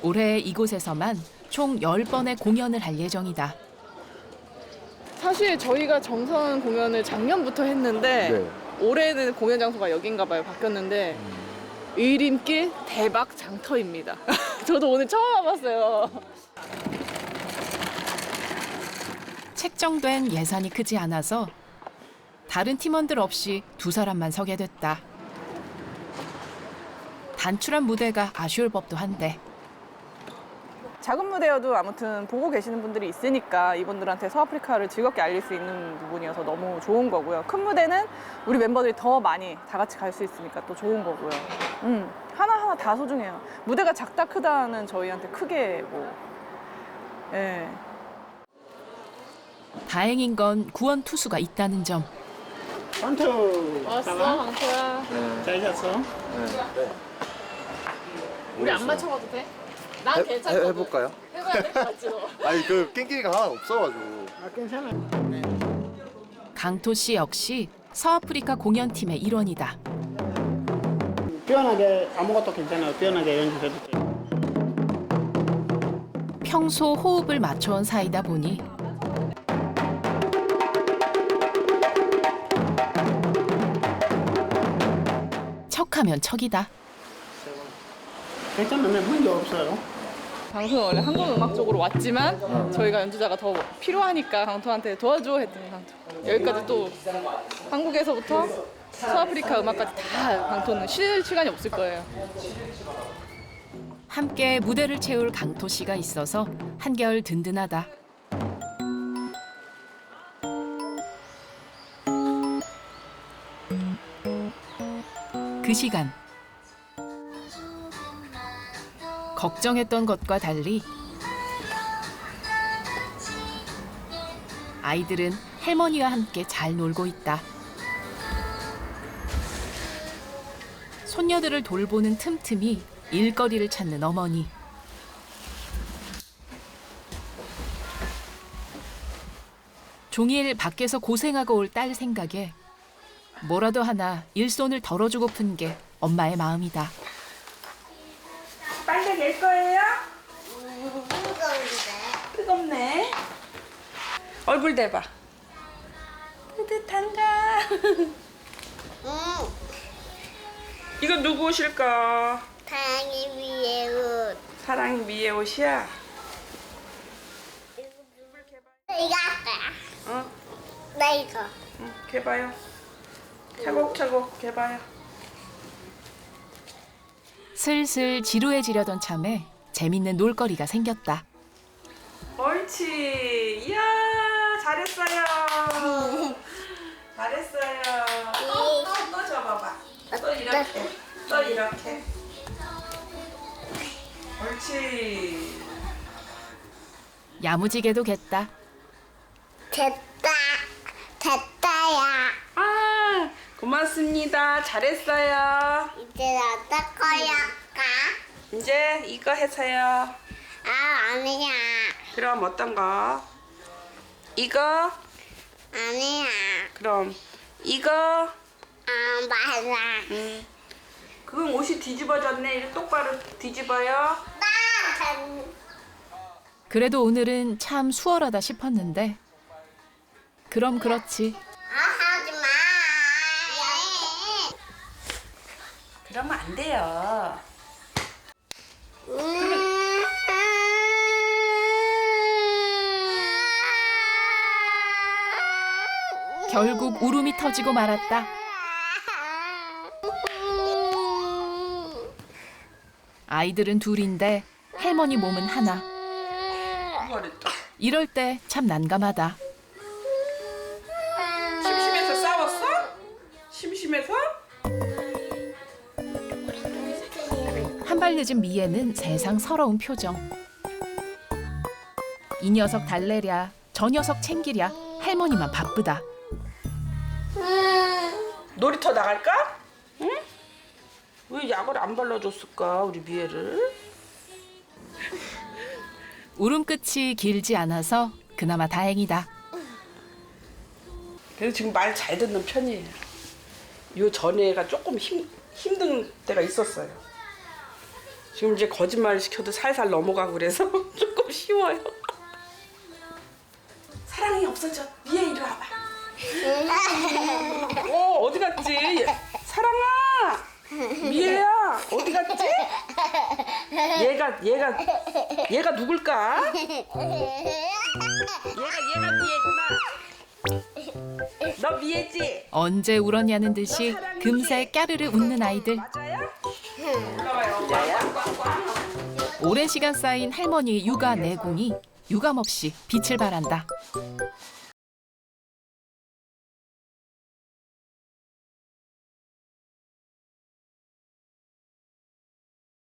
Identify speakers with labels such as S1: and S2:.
S1: 올해 이곳에서만 총 10번의 공연을 할 예정이다.
S2: 사실 저희가 정선 공연을 작년부터 했는데
S3: 네.
S2: 올해는 공연 장소가 여긴가 봐요. 바뀌었는데 의림길 대박 장터입니다. 저도 오늘 처음 와봤어요.
S1: 책정된 예산이 크지 않아서 다른 팀원들 없이 두 사람만 서게 됐다. 단출한 무대가 아쉬울 법도 한데
S2: 작은 무대여도 아무튼 보고 계시는 분들이 있으니까 이분들한테 서아프리카를 즐겁게 알릴 수 있는 부분이어서 너무 좋은 거고요. 큰 무대는 우리 멤버들이 더 많이 다 같이 갈 수 있으니까 또 좋은 거고요. 하나하나 다 소중해요. 무대가 작다 크다는 저희한테 크게 예.
S1: 다행인 건 구원 투수가 있다는 점.
S4: 강토
S2: 왔어, 강토야.
S4: 잘 잤어?
S2: 우리 안 맞춰봐도 돼? 난 괜찮거든.
S3: 해볼까요?
S2: 해봐야 될 것 같지, 너?
S3: 아니 그 깽깽이가 하나 없어가지고.
S4: 아 괜찮아.
S1: 강토 씨 역시 서아프리카 공연팀의 일원이다.
S4: 편하게 아무것도 괜찮아요. 편하게 연주해도 돼.
S1: 평소 호흡을 맞춰온 사이다 보니 척하면 척이다.
S4: 괜찮으면 문제 없어요.
S2: 강토는 원래 한국 음악 쪽으로 왔지만 저희가 연주자가 더 필요하니까 강토한테 도와줘 했더니 강토 여기까지 또 한국에서부터 서아프리카 음악까지 다 강토는 쉴 시간이 없을 거예요.
S1: 함께 무대를 채울 강토 씨가 있어서 한결 든든하다. 그 시간 걱정했던 것과 달리 아이들은 할머니와 함께 잘 놀고 있다. 손녀들을 돌보는 틈틈이 일거리를 찾는 어머니. 종일 밖에서 고생하고 올 딸 생각에 뭐라도 하나 일손을 덜어주고픈 게 엄마의 마음이다.
S5: 빨래 낼 거예요? 뜨겁네. 얼굴 대봐. 뿌듯한가? 이거 누구 옷일까?
S6: 다행히 위에 옷.
S5: 사랑이 미의 옷이야?
S6: 이거 할 거야.
S5: 어?
S6: 나 이거.
S5: 응, 개봐요. 차곡차곡 개봐요.
S1: 슬슬 지루해지려던 참에 재밌는 놀거리가 생겼다.
S5: 옳지. 이야, 잘했어요. 잘했어요. 또 접어봐. 또 이렇게. 또 이렇게. 옳지.
S1: 야무지게도 겠다.
S6: 됐다. 됐다야.
S5: 아, 고맙습니다. 잘했어요.
S6: 이제 어떨 거야?
S5: 이제 이거 해서요.
S6: 아, 아니야.
S5: 그럼 어떤 거? 이거?
S6: 아니야.
S5: 그럼 이거?
S6: 아, 맞아.
S5: 그건 옷이 뒤집어졌네. 이거 똑바로 뒤집어요.
S6: 나.
S1: 그래도 오늘은 참 수월하다 싶었는데 그럼 그렇지.
S6: 하지 마.
S5: 그러면 안 돼요.
S1: 결국 울음이 터지고 말았다. 아이들은 둘인데 할머니 몸은 하나.
S5: 잘했다.
S1: 이럴 때 참 난감하다.
S5: 심심해서 싸웠어? 심심해서?
S1: 한 발 늦은 미애는 세상 서러운 표정. 이 녀석 달래랴, 저 녀석 챙기랴 할머니만 바쁘다.
S5: 놀이터 나갈까? 응? 왜 약을 안 발라줬을까 우리 미애를?
S1: 울음 끝이 길지 않아서 그나마 다행이다.
S5: 그래도 지금 말 잘 듣는 편이에요. 요 전에가 조금 힘든 때가 있었어요. 지금 이제 거짓말 시켜도 살살 넘어가고 그래서 조금 쉬워요. 사랑이 없어져. 미애 이리 와봐. 어디 갔지? 사랑아. 미애야 어디 갔지? 얘가 누굴까? 얘가 미애구나. 너 미애지?
S1: 언제 울었냐는 듯이 금세 까르르 웃는 아이들.
S5: 맞아요? 올라와요.
S1: 오랜 시간 쌓인 할머니의 육아 내공이 유감없이 빛을 발한다.